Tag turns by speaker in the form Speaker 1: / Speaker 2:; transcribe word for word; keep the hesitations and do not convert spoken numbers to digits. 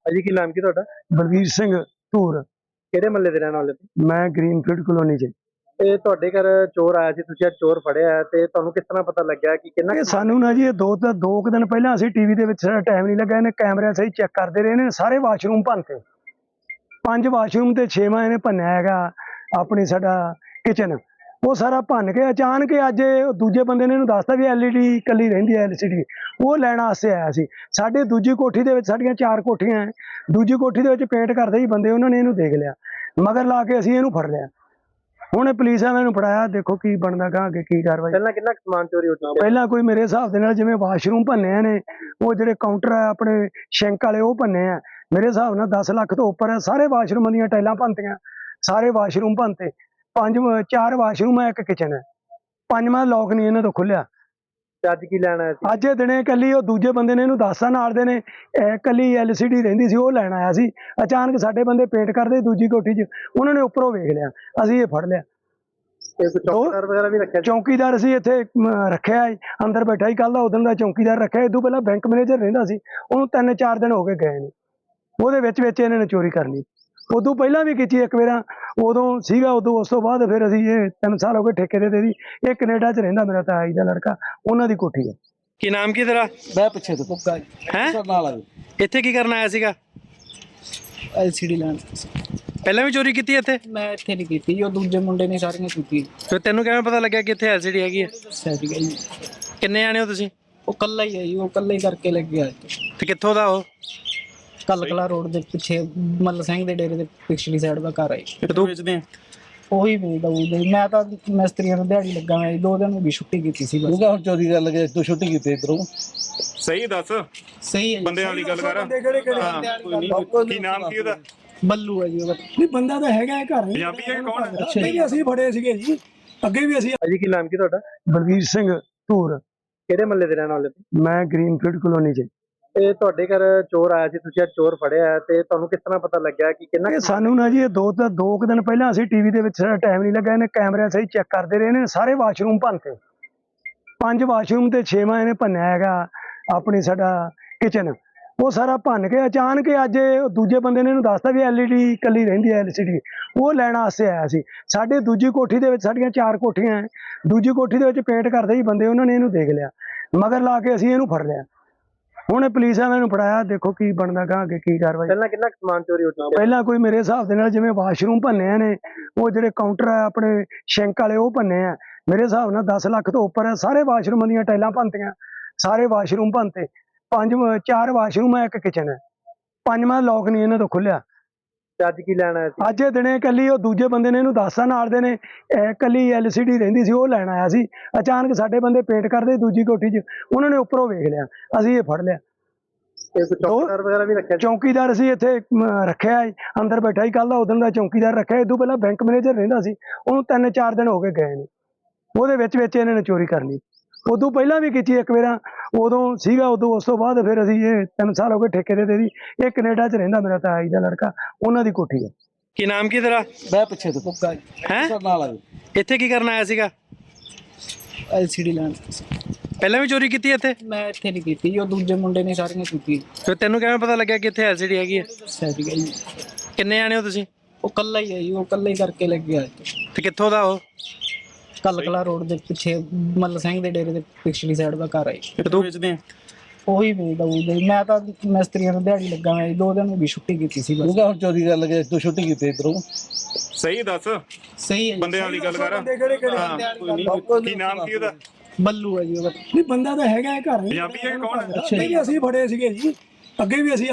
Speaker 1: ਭਾਜੀ ਕੀ ਨਾਮ ਕੀ ਤੁਹਾਡਾ?
Speaker 2: ਬਲਵੀਰ ਸਿੰਘ ਧੂਰ।
Speaker 1: ਕਿਹੜੇ ਮਹੱਲੇ ਦੇ ਰਹਿਣ ਵਾਲੇ ਹੋ?
Speaker 2: ਮੈਂ ਗ੍ਰੀਨਫੀਲਡ ਕਲੋਨੀ ਚ।
Speaker 1: ਇਹ ਤੁਹਾਡੇ ਘਰ ਚੋਰ ਆਇਆ ਸੀ, ਤੁਸੀਂ ਅੱਜ ਚੋਰ ਫੜਿਆ ਹੈ ਤੇ ਤੁਹਾਨੂੰ ਕਿਸ ਤਰ੍ਹਾਂ ਪਤਾ ਲੱਗਿਆ ਕਿ ਕਿੰਨਾ
Speaker 2: ਇਹ ਸਾਨੂੰ ਨਾ ਜੀ ਇਹ ਦੋ ਤਾਂ ਦੋ ਕੁ ਦਿਨ ਪਹਿਲਾਂ ਅਸੀਂ ਟੀਵੀ ਦੇ ਵਿੱਚ ਸਾਡਾ ਟਾਈਮ ਨਹੀਂ ਲੱਗਾ, ਇਹਨੇ ਕੈਮਰਿਆਂ ਸਹੀ ਚੈੱਕ ਕਰਦੇ ਰਹੇ ਨੇ, ਸਾਰੇ ਵਾਸ਼ਰੂਮ ਭੰਨਤੇ, ਪੰਜ ਵਾਸ਼ਰੂਮ ਤੇ ਛੇਵਾਂ ਇਹਨੇ ਭੰਨਿਆ ਹੈਗਾ ਆਪਣੀ ਸਾਡਾ ਕਿਚਨ, ਉਹ ਸਾਰਾ ਭੰਨ ਕੇ ਅਚਾਨਕ ਅੱਜ ਇਹ ਦੂਜੇ ਬੰਦੇ ਨੇ ਇਹਨੂੰ ਦੱਸਤਾ ਵੀ ਐਲ ਈ ਡੀ ਇਕੱਲੀ ਰਹਿੰਦੀ ਹੈ, ਐਲ ਸੀ ਡੀ ਉਹ ਲੈਣ ਵਾਸਤੇ ਆਇਆ ਸੀ। ਸਾਡੇ ਦੂਜੀ ਕੋਠੀ ਦੇ ਵਿੱਚ ਸਾਡੀਆਂ ਚਾਰ ਕੋਠੀਆਂ ਹੈ, ਦੂਜੀ ਕੋਠੀ ਦੇ ਵਿੱਚ ਪੇਂਟ ਕਰਦੇ ਹੀ ਬੰਦੇ ਉਹਨਾਂ ਨੇ ਇਹਨੂੰ ਦੇਖ ਲਿਆ, ਮਗਰ ਲਾ ਕੇ ਅਸੀਂ ਇਹਨੂੰ ਫੜ ਲਿਆ। ਹੁਣ ਪੁਲਿਸ ਵਾਲਿਆਂ ਨੂੰ ਫੜਾਇਆ, ਦੇਖੋ ਕੀ ਬਣਦਾ ਗਾ ਅੱਗੇ ਕੀ ਕਾਰਵਾਈ।
Speaker 1: ਪਹਿਲਾਂ ਕਿੰਨਾ ਸਮਾਨ ਚੋਰੀ ਹੋ ਚੁੱਕਿਆ?
Speaker 2: ਪਹਿਲਾਂ ਕੋਈ ਮੇਰੇ ਹਿਸਾਬ ਦੇ ਨਾਲ ਜਿਵੇਂ ਵਾਸ਼ਰੂਮ ਭੰਨੇ ਨੇ, ਉਹ ਜਿਹੜੇ ਕਾਊਂਟਰ ਆ ਆਪਣੇ ਸ਼ੈਂਕ ਵਾਲੇ ਉਹ ਭੰਨੇ ਆ, ਮੇਰੇ ਹਿਸਾਬ ਨਾਲ ਦਸ ਲੱਖ ਤੋਂ ਉੱਪਰ ਹੈ। ਸਾਰੇ ਵਾਸ਼ਰੂਮਾਂ ਦੀਆਂ ਟਾਈਲਾਂ ਭੰਨਤੀਆਂ, ਸਾਰੇ ਵਾਸ਼ਰੂਮ ਭੰਨਤੇ, ਪੰਜ ਚਾਰ ਵਾਸ਼ਰੂਮ ਹੈ, ਇੱਕ ਕਿਚਨ ਹੈ, ਪੰਜਵਾਂ ਲੋਕ ਨਹੀਂ ਇਹਨਾਂ ਤੋਂ ਖੁੱਲਿਆ।
Speaker 1: ਤੇ ਅੱਜ ਕੀ ਲੈਣ ਆਇਆ ਸੀ?
Speaker 2: ਅੱਜ ਇਹ ਦਿਨੇ ਕੱਲੀ ਉਹ ਦੂਜੇ ਬੰਦੇ ਨੇ ਇਹਨੂੰ ਦੱਸਤਾ ਨਾਲ ਦੇ ਨੇ ਕੱਲੀ ਐਲ ਸੀ ਡੀ ਰਹਿੰਦੀ ਸੀ, ਉਹ ਲੈਣ ਆਇਆ ਸੀ। ਅਚਾਨਕ ਸਾਡੇ ਬੰਦੇ ਪੇਂਟ ਕਰਦੇ ਦੂਜੀ ਕੋਠੀ 'ਚ, ਉਹਨਾਂ ਨੇ ਉੱਪਰੋਂ ਵੇਖ ਲਿਆ, ਅਸੀਂ ਇਹ ਫੜ ਲਿਆ।
Speaker 1: ਚੌਕੀਦਾਰ ਵਗੈਰਾ ਵੀ ਰੱਖਿਆ?
Speaker 2: ਚੌਕੀਦਾਰ ਅਸੀਂ ਇੱਥੇ ਰੱਖਿਆ ਅੰਦਰ ਬੈਠਾ ਹੀ, ਕੱਲ ਦਾ ਉਦੋਂ ਦਾ ਚੌਕੀਦਾਰ ਰੱਖਿਆ। ਇਹ ਤੋਂ ਪਹਿਲਾਂ ਬੈਂਕ ਮੈਨੇਜਰ ਰਹਿੰਦਾ ਸੀ, ਉਹਨੂੰ ਤਿੰਨ ਚਾਰ ਦਿਨ ਹੋ ਗਏ ਗਏ ਨੇ, ਉਹਦੇ ਵਿੱਚ ਵਿੱਚ ਇਹਨਾਂ ਨੇ ਚੋਰੀ ਕਰ ਲਈ। ਉਦੋਂ ਪਹਿਲਾਂ ਵੀ ਕੀਤੀ ਇੱਕ ਵਾਰ, ਉਦੋਂ ਸੀਗਾ, ਉਦੋਂ ਉਸ ਤੋਂ ਬਾਅਦ ਫਿਰ ਅਸੀਂ ਇਹ ਤਿੰਨ ਸਾਲ ਹੋ ਗਏ ਠੇਕੇ ਦੇ ਦੀ। ਇਹ ਕੈਨੇਡਾ 'ਚ ਰਹਿੰਦਾ ਮੇਰਾ ਤਾਈ ਦਾ ਲੜਕਾ, ਉਹਨਾਂ ਦੀ ਕੋਠੀ ਹੈ।
Speaker 1: ਕੀ ਨਾਮ ਕੀ ਤੇਰਾ?
Speaker 3: ਮੈਂ ਪਿੱਛੇ ਤੋਂ ਪੁੱਕਾ
Speaker 1: ਹੈ
Speaker 3: ਨਾਲ ਆ।
Speaker 1: ਇੱਥੇ ਕੀ ਕਰਨ ਆਇਆ ਸੀਗਾ?
Speaker 3: ਐਲ ਸੀ ਡੀ ਲੈਣ।
Speaker 1: ਪਹਿਲਾਂ ਵੀ ਚੋਰੀ ਕੀਤੀ ਇੱਥੇ?
Speaker 3: ਮੈਂ ਇੱਥੇ ਨਹੀਂ ਕੀਤੀ, ਉਹ ਦੂਜੇ ਮੁੰਡੇ ਨੇ ਸਾਰੀਆਂ ਕੀਤੀ।
Speaker 1: ਤੇ ਤੈਨੂੰ ਕਿਵੇਂ ਪਤਾ ਲੱਗਿਆ ਕਿ ਇੱਥੇ ਐਲ ਸੀ ਡੀ ਹੈਗੀ ਹੈ?
Speaker 3: ਦੱਸਿਆ ਸੀਗਾ ਜੀ।
Speaker 1: ਕਿੰਨੇ ਆਣੇ ਹੋ ਤੁਸੀਂ?
Speaker 3: ਉਹ ਕੱਲਾ ਹੀ ਹੈ ਜੀ, ਉਹ ਕੱਲਾ ਹੀ ਕਰਕੇ ਲੱਗਿਆ।
Speaker 1: ਤੇ ਕਿੱਥੋਂ ਦਾ ਉਹ?
Speaker 3: ਕੱਲ ਕਲਾ ਰੋਡ ਦੇ ਪਿੱਛੇ ਮੱਲ ਸਿੰਘ ਦੇ ਡੇਰੇ ਦੇ ਪਿਛਲੀ ਸਾਈਡ ਦਾ ਘਰ ਹੈ।
Speaker 1: ਤੂੰ ਵੇਚਦੇ ਆ?
Speaker 3: ਉਹੀ ਵੇਚਦਾ ਉਹਦੇ। ਮੈਂ ਤਾਂ ਮਿਸਤਰੀਆਂ ਨੂੰ ਦਿਹਾੜੀ ਲੱਗਾ, ਮੈਂ ਦੋ ਦਿਨ ਹੋ ਗਈ ਛੁੱਟੀ ਕੀਤੀ ਸੀ ਬਸ। ਹੁਣ ਚੋਰੀ ਕਰ ਲਗੇ, ਤੂੰ ਛੁੱਟੀ ਕੀਤੀ ਇਧਰੋਂ।
Speaker 4: ਸਹੀ ਦੱਸ,
Speaker 3: ਸਹੀ ਹੈ
Speaker 4: ਬੰਦਿਆਂ ਵਾਲੀ ਗੱਲ ਕਰ। ਕੀ ਨਾਮ ਕੀ ਉਹਦਾ?
Speaker 3: ਬੱਲੂ ਹੈ ਜੀ ਉਹਦਾ।
Speaker 2: ਨਹੀਂ ਬੰਦਾ ਤਾਂ ਹੈਗਾ ਘਰ,
Speaker 4: ਪੰਜਾਬੀ ਹੈ ਕੌਣ ਹੈ?
Speaker 2: ਅੱਗੇ ਵੀ ਅਸੀਂ ਫੜੇ ਸੀਗੇ ਜੀ, ਅੱਗੇ ਵੀ ਅਸੀਂ।
Speaker 1: ਭਾਜੀ ਕੀ ਨਾਮ ਕੀ ਤੁਹਾਡਾ?
Speaker 2: ਬਲਵੀਰ ਸਿੰਘ ਧੂਰ।
Speaker 1: ਕਿਹੜੇ ਮਹੱਲੇ ਦੇ ਰਹਿਣ ਵਾਲੇ ਹੋ?
Speaker 2: ਮੈਂ ਗ੍ਰੀਨਫੀਲਡ ਕਲੋਨੀ ਚ।
Speaker 1: ਇਹ ਤੁਹਾਡੇ ਘਰ ਚੋਰ ਆਇਆ ਸੀ, ਤੁਸੀਂ ਅੱਜ ਚੋਰ ਫੜਿਆ ਹੈ ਤੇ ਤੁਹਾਨੂੰ ਕਿਸ ਤਰ੍ਹਾਂ ਪਤਾ ਲੱਗਿਆ ਕਿ ਕਿੰਨਾ
Speaker 2: ਇਹ ਸਾਨੂੰ ਨਾ ਜੀ ਇਹ ਦੋ ਤਾਂ ਦੋ ਕੁ ਦਿਨ ਪਹਿਲਾਂ ਅਸੀਂ ਟੀਵੀ ਦੇ ਵਿੱਚ ਸਾਡਾ ਟਾਈਮ ਨਹੀਂ ਲੱਗਾ, ਇਹਨੇ ਕੈਮਰਿਆਂ ਸਹੀ ਚੈੱਕ ਕਰਦੇ ਰਹੇ ਨੇ, ਸਾਰੇ ਵਾਸ਼ਰੂਮ ਭੰਨਤੇ, ਪੰਜ ਵਾਸ਼ਰੂਮ ਤੇ ਛੇਵਾਂ ਇਹਨੇ ਭੰਨਿਆ ਹੈਗਾ ਆਪਣੀ ਸਾਡਾ ਕਿਚਨ, ਉਹ ਸਾਰਾ ਭੰਨ ਕੇ ਅਚਾਨਕ ਅੱਜ ਇਹ ਦੂਜੇ ਬੰਦੇ ਨੇ ਇਹਨੂੰ ਦੱਸਤਾ ਵੀ ਐਲ ਈ ਡੀ ਇਕੱਲੀ ਰਹਿੰਦੀ ਹੈ, ਐਲ ਸੀ ਡੀ ਉਹ ਲੈਣ ਵਾਸਤੇ ਆਇਆ ਸੀ। ਸਾਡੇ ਦੂਜੀ ਕੋਠੀ ਦੇ ਵਿੱਚ ਸਾਡੀਆਂ ਚਾਰ ਕੋਠੀਆਂ ਹੈ, ਦੂਜੀ ਕੋਠੀ ਦੇ ਵਿੱਚ ਪੇਂਟ ਕਰਦੇ ਹੀ ਬੰਦੇ ਉਹਨਾਂ ਨੇ ਇਹਨੂੰ ਦੇਖ ਲਿਆ, ਮਗਰ ਲਾ ਕੇ ਅਸੀਂ ਇਹਨੂੰ ਫੜ ਲਿਆ। ਹੁਣ ਪੁਲਿਸ ਵਾਲਿਆਂ ਨੂੰ ਫੜਾਇਆ, ਦੇਖੋ ਕੀ ਬਣਦਾ ਗਾ ਅੱਗੇ ਕੀ ਕਾਰਵਾਈ।
Speaker 1: ਪਹਿਲਾਂ ਕਿੰਨਾ ਸਮਾਨ ਚੋਰੀ ਹੋ ਚੁੱਕਿਆ?
Speaker 2: ਪਹਿਲਾਂ ਕੋਈ ਮੇਰੇ ਹਿਸਾਬ ਦੇ ਨਾਲ ਜਿਵੇਂ ਵਾਸ਼ਰੂਮ ਭੰਨੇ ਨੇ, ਉਹ ਜਿਹੜੇ ਕਾਊਂਟਰ ਆ ਆਪਣੇ ਸ਼ੈਂਕ ਵਾਲੇ ਉਹ ਭੰਨੇ ਆ, ਮੇਰੇ ਹਿਸਾਬ ਨਾਲ ਦਸ ਲੱਖ ਤੋਂ ਉੱਪਰ ਹੈ। ਸਾਰੇ ਵਾਸ਼ਰੂਮਾਂ ਦੀਆਂ ਟਾਈਲਾਂ ਭੰਨਤੀਆਂ, ਸਾਰੇ ਵਾਸ਼ਰੂਮ ਭੰਨਤੇ, ਪੰਜ ਚਾਰ ਵਾਸ਼ਰੂਮ ਹੈ, ਇੱਕ ਕਿਚਨ ਹੈ, ਪੰਜਵਾਂ ਲੋਕ ਨਹੀਂ ਇਹਨਾਂ ਤੋਂ ਖੁੱਲਿਆ।
Speaker 1: ਤੇ ਅੱਜ ਕੀ ਲੈਣ ਆਇਆ ਸੀ?
Speaker 2: ਅੱਜ ਇਹ ਦਿਨੇ ਕੱਲੀ ਉਹ ਦੂਜੇ ਬੰਦੇ ਨੇ ਇਹਨੂੰ ਦੱਸਤਾ ਨਾਲ ਦੇ ਨੇ ਕੱਲੀ ਐਲ ਸੀ ਡੀ ਰਹਿੰਦੀ ਸੀ, ਉਹ ਲੈਣ ਆਇਆ ਸੀ। ਅਚਾਨਕ ਸਾਡੇ ਬੰਦੇ ਪੇਂਟ ਕਰਦੇ ਦੂਜੀ ਕੋਠੀ 'ਚ, ਉਹਨਾਂ ਨੇ ਉੱਪਰੋਂ ਵੇਖ ਲਿਆ, ਅਸੀਂ ਇਹ ਫੜ ਲਿਆ।
Speaker 1: ਚੌਕੀਦਾਰ ਵਗੈਰਾ ਵੀ ਰੱਖਿਆ?
Speaker 2: ਚੌਕੀਦਾਰ ਅਸੀਂ ਇੱਥੇ ਰੱਖਿਆ ਅੰਦਰ ਬੈਠਾ ਹੀ, ਕੱਲ ਦਾ ਉਦੋਂ ਦਾ ਚੌਕੀਦਾਰ ਰੱਖਿਆ। ਇਹ ਤੋਂ ਪਹਿਲਾਂ ਬੈਂਕ ਮੈਨੇਜਰ ਰਹਿੰਦਾ ਸੀ, ਉਹਨੂੰ ਤਿੰਨ ਚਾਰ ਦਿਨ ਹੋ ਗਏ ਗਏ ਨੇ, ਉਹਦੇ ਵਿੱਚ ਵਿੱਚ ਇਹਨਾਂ ਨੇ ਚੋਰੀ ਕਰ ਲਈ। ਉਦੋਂ ਪਹਿਲਾਂ ਵੀ ਕੀਤੀ ਇੱਕ ਵਾਰ, ਉਦੋਂ ਸੀਗਾ, ਉਦੋਂ ਉਸ ਤੋਂ ਬਾਅਦ ਫਿਰ ਅਸੀਂ ਇਹ ਤਿੰਨ ਸਾਲ ਹੋ ਗਏ ਠੇਕੇ ਦੇ ਦੀ। ਇਹ ਕੈਨੇਡਾ 'ਚ ਰਹਿੰਦਾ ਮੇਰਾ ਤਾਈ ਦਾ ਲੜਕਾ, ਉਹਨਾਂ ਦੀ ਕੋਠੀ ਹੈ।
Speaker 1: ਕੀ ਨਾਮ ਕੀ ਤੇਰਾ?
Speaker 3: ਮੈਂ ਪਿੱਛੇ ਤੋਂ ਪੁੱਕਾ
Speaker 1: ਹੈ
Speaker 3: ਨਾਲ ਆ।
Speaker 1: ਇੱਥੇ ਕੀ ਕਰਨ ਆਇਆ ਸੀਗਾ?
Speaker 3: ਐਲ ਸੀ ਡੀ ਲੈਣ।
Speaker 1: ਪਹਿਲਾਂ ਵੀ ਚੋਰੀ ਕੀਤੀ ਇੱਥੇ?
Speaker 3: ਮੈਂ ਇੱਥੇ ਨਹੀਂ ਕੀਤੀ, ਉਹ ਦੂਜੇ ਮੁੰਡੇ ਨੇ ਸਾਰੀਆਂ ਕੀਤੀ।
Speaker 1: ਤੇ ਤੈਨੂੰ ਕਿਵੇਂ ਪਤਾ ਲੱਗਿਆ ਕਿ ਇੱਥੇ ਐਲ ਸੀ ਡੀ ਹੈਗੀ ਹੈ?
Speaker 3: ਦੱਸਿਆ ਸੀਗਾ ਜੀ।
Speaker 1: ਕਿੰਨੇ ਆਣੇ ਹੋ ਤੁਸੀਂ? ਉਹ
Speaker 3: ਕੱਲਾ ਹੀ ਹੈ ਜੀ, ਉਹ ਕੱਲਾ ਹੀ ਕਰਕੇ ਲੱਗਿਆ।
Speaker 1: ਤੇ ਕਿੱਥੋਂ ਦਾ ਉਹ?
Speaker 3: ਕੱਲ ਕਲਾ ਰੋਡ ਦੇ ਪਿੱਛੇ ਮੱਲ ਸਿੰਘ ਦੇ ਡੇਰੇ ਦੇ ਪਿਛਲੀ ਸਾਈਡ ਦਾ ਘਰ ਹੈ।
Speaker 1: ਤੂੰ ਵੇਚਦੇ ਆ?
Speaker 3: ਉਹੀ ਵੇਚਦਾ ਉਹਦੇ। ਮੈਂ ਤਾਂ ਮਿਸਤਰੀਆਂ ਨੂੰ ਦਿਹਾੜੀ ਲੱਗਾ, ਮੈਂ ਦੋ ਦਿਨ ਹੋ ਗਈ ਛੁੱਟੀ ਕੀਤੀ ਸੀ ਬਸ। ਹੁਣ ਚੋਰੀ ਕਰ ਲਗੇ, ਤੂੰ ਛੁੱਟੀ ਕੀਤੀ ਇਧਰੋਂ।
Speaker 4: ਸਹੀ ਦੱਸ,
Speaker 3: ਸਹੀ ਹੈ
Speaker 4: ਬੰਦਿਆਂ ਵਾਲੀ ਗੱਲ ਕਰ। ਕੀ ਨਾਮ ਕੀ ਉਹਦਾ?
Speaker 3: ਬੱਲੂ ਹੈ ਜੀ ਉਹਦਾ।
Speaker 2: ਨਹੀਂ ਬੰਦਾ ਤਾਂ ਹੈਗਾ ਘਰ,
Speaker 4: ਪੰਜਾਬੀ ਹੈ ਕੌਣ ਹੈ?
Speaker 2: ਅੱਗੇ ਵੀ ਅਸੀਂ ਫੜੇ ਸੀਗੇ ਜੀ, ਅੱਗੇ ਵੀ ਅਸੀਂ